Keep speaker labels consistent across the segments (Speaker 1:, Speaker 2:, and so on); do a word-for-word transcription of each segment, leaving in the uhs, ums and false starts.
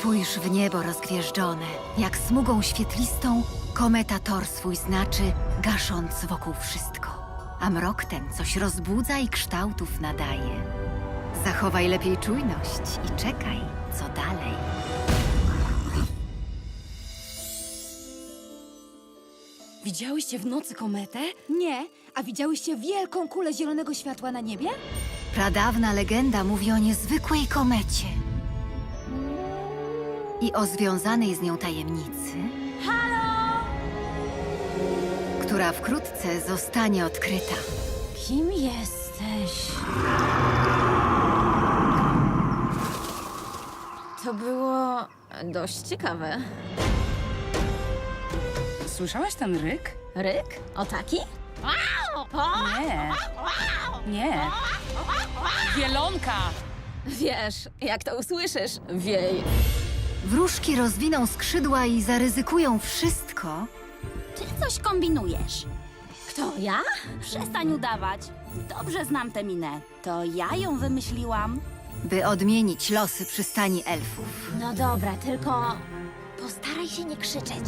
Speaker 1: Spójrz w niebo rozgwieżdżone, jak smugą świetlistą kometa tor swój znaczy, gasząc wokół wszystko. A mrok ten coś rozbudza i kształtów nadaje. Zachowaj lepiej czujność i czekaj, co dalej.
Speaker 2: Widziałyście w nocy kometę?
Speaker 3: Nie, a widziałyście wielką kulę zielonego światła na niebie?
Speaker 1: Pradawna legenda mówi o niezwykłej komecie i o związanej z nią tajemnicy, która wkrótce zostanie odkryta.
Speaker 3: Kim jesteś?
Speaker 4: To było dość ciekawe.
Speaker 2: Słyszałaś ten ryk?
Speaker 4: Ryk? O taki?
Speaker 2: Nie. Nie. Wielonka!
Speaker 4: Wiesz, jak to usłyszysz, wiej.
Speaker 1: Wróżki rozwiną skrzydła i zaryzykują wszystko,
Speaker 5: Ty coś kombinujesz.
Speaker 4: Kto, ja?
Speaker 5: Przestań udawać. Dobrze znam tę minę. To ja ją wymyśliłam.
Speaker 1: by odmienić losy przystani elfów.
Speaker 4: No dobra, tylko postaraj się nie krzyczeć.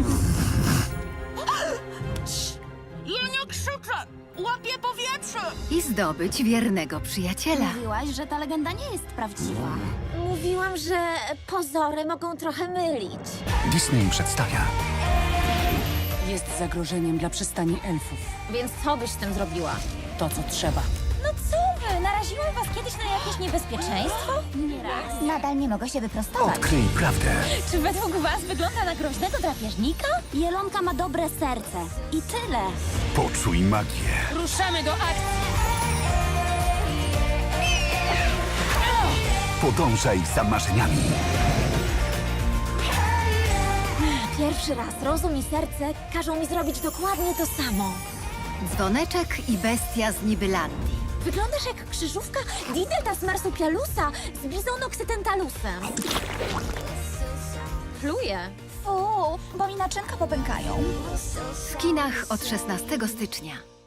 Speaker 5: Ja nie krzyczę! Łapię powietrze!
Speaker 1: I zdobyć wiernego przyjaciela.
Speaker 5: Mówiłaś, że ta legenda nie jest prawdziwa.
Speaker 4: Mówiłam, że pozory mogą trochę mylić.
Speaker 6: Disney przedstawia
Speaker 2: Jest zagrożeniem dla przystani elfów.
Speaker 4: Więc co byś z tym zrobiła?
Speaker 2: To, co trzeba.
Speaker 4: No co wy? Naraziłam was kiedyś na jakieś niebezpieczeństwo?
Speaker 5: Nie raz.
Speaker 4: Nadal nie mogę się wyprostować.
Speaker 6: Odkryj prawdę.
Speaker 4: Czy według was wygląda na groźnego drapieżnika?
Speaker 5: Jelonka ma dobre serce. I tyle.
Speaker 6: Poczuj magię.
Speaker 2: Ruszamy do akcji!
Speaker 6: Podążaj za marzeniami.
Speaker 4: Pierwszy raz rozum i serce każą mi zrobić dokładnie to samo.
Speaker 1: Dzwoneczek i bestia z Nibylandii.
Speaker 4: Wyglądasz jak krzyżówka Dideltas marsupialusa z Bizonoxytentalusem. Pluję.
Speaker 5: Fu, bo mi naczynka popękają.
Speaker 1: W kinach od szesnastego stycznia.